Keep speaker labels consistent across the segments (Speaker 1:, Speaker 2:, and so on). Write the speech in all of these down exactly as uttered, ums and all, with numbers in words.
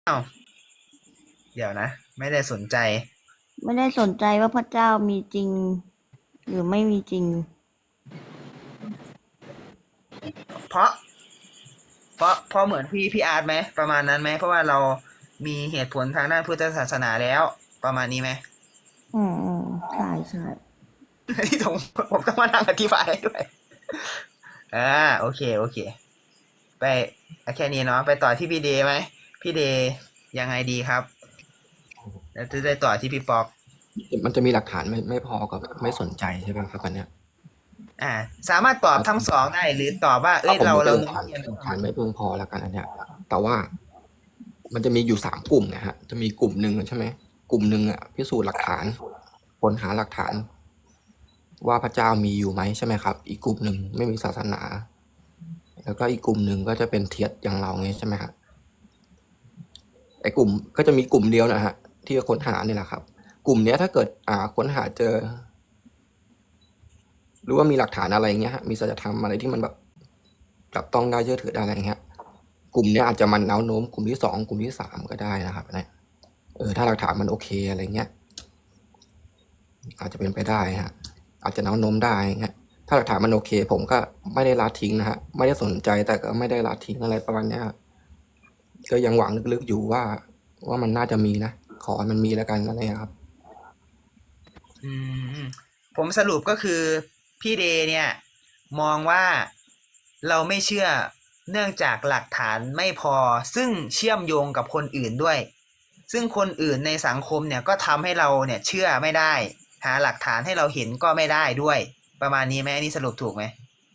Speaker 1: อ้าวเดี๋ยวนะไม่ได้สนใจ
Speaker 2: ไม่ได้สนใจว่าพระเจ้ามีจริงหรือไม่มีจริง
Speaker 1: เพราะเพราะเพราะเหมือนพี่พี่อาร์ตไหมประมาณนั้นไหมเพราะว่าเรามีเหตุผลทางด้านพุทธศาสนาแล้วประมาณนี้ไหม
Speaker 2: อืมอืมใช่ใช่
Speaker 1: ที่ผมผมต้องมานั่งอธิบายให้ด้วยอ่าโอเคโอเคไปแค่นี้เนาะไปต่อที่พี่เดย์ไหมพี่เดย์ยังไงดีครับแล้วจะได้ต่อที่พี่ป๊อก
Speaker 3: มันจะมีหลักฐานไม่ไม่พอกับไม่สนใจใช่ไหมครับอันเนี้ย
Speaker 1: อ่าสามารถตอบทั้งสองได้หรือตอบว่าเอ้
Speaker 3: ถ้าผม
Speaker 1: ยเราเรา
Speaker 3: ยกเป็นหลักฐาน
Speaker 1: โน้มเอียง
Speaker 3: หลักฐานไม่เพียงพอแล้วกันอันเนี้ยแต่ว่ามันจะมีอยู่สามกลุ่มนะฮะจะมีกลุ่มหนึ่งใช่ไหมกลุ่มหนึ่งอ่ะพิสูจน์หลักฐานค้นหาหลักฐาน ว่าพระเจ้ามีอยู่ไหมใช่ไหมครับ อีกกลุ่มหนึ่งไม่มีศาสนา แล้วก็อีกกลุ่มหนึ่งก็จะเป็นเทียดอย่างเราไงใช่ไหมครับไอ้กลุ่มก็จะมีกลุ่มเดียวนะฮะที่ค้นหาเนี่ยแหละครับ กลุ่มเนี้ยถ้าเกิดอ่าค้นหาเจอ หรือว่ามีหลักฐานอะไรเงี้ยฮะมีสัจธรรมอะไรที่มันแบบจับต้องได้เชื่อถือได้อะไรเงี้ยกลุ่มเนี้ยอาจจะมันแนวโน้มกลุ่มที่สองกลุ่มที่สามก็ได้นะครับเนี่ยเออถ้าหลักฐานมันโอเคอะไรเงี้ยอาจจะเป็นไปได้ฮะอาจจะแนวโน้มได้เงี้ยถ้าหลักฐานมันโอเค ผมก็ไม่ได้ละทิ้งนะฮะไม่ได้สนใจแต่ก็ไม่ได้ละทิ้งอะไรประมาณเนี้ยก็ยังหวังลึกๆอยู่ว่าว่ามันน่าจะมีนะขอให้มันมีแล้วกันอะไรครับ
Speaker 1: อืมผมสรุปก็คือพี่เดย์เนี่ยมองว่าเราไม่เชื่อเนื่องจากหลักฐานไม่พอซึ่งเชื่อมโยงกับคนอื่นด้วยซึ่งคนอื่นในสังคมเนี่ยก็ทำให้เราเนี่ยเชื่อไม่ได้หาหลักฐานให้เราเห็นก็ไม่ได้ด้วยประมาณนี้ไหมอันนี้สรุปถูกไหม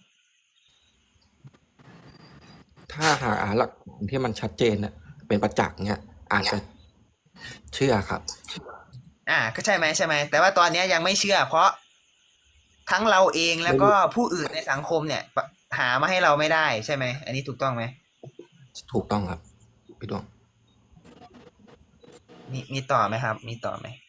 Speaker 3: ถ้าหาหลักฐานที่มันชัดเจนน่ะเป็นประจักษ์เนี่ยอาจจะเชื่อครับ
Speaker 1: อ่าก็ใช่ไหมใช่ไหมแต่ว่าตอนนี้ยังไม่เชื่อเพราะทั้งเราเองแล้วก็
Speaker 3: ไม่มี
Speaker 1: ผู้อื่นในสังคมเนี่ยหามาให้เราไม่ได้ใช่ไหมอันนี้ถูกต้องไหม
Speaker 3: ถูกต้องครับพี่ดวง
Speaker 1: มีมีต่อไหมครับมีต่อไหม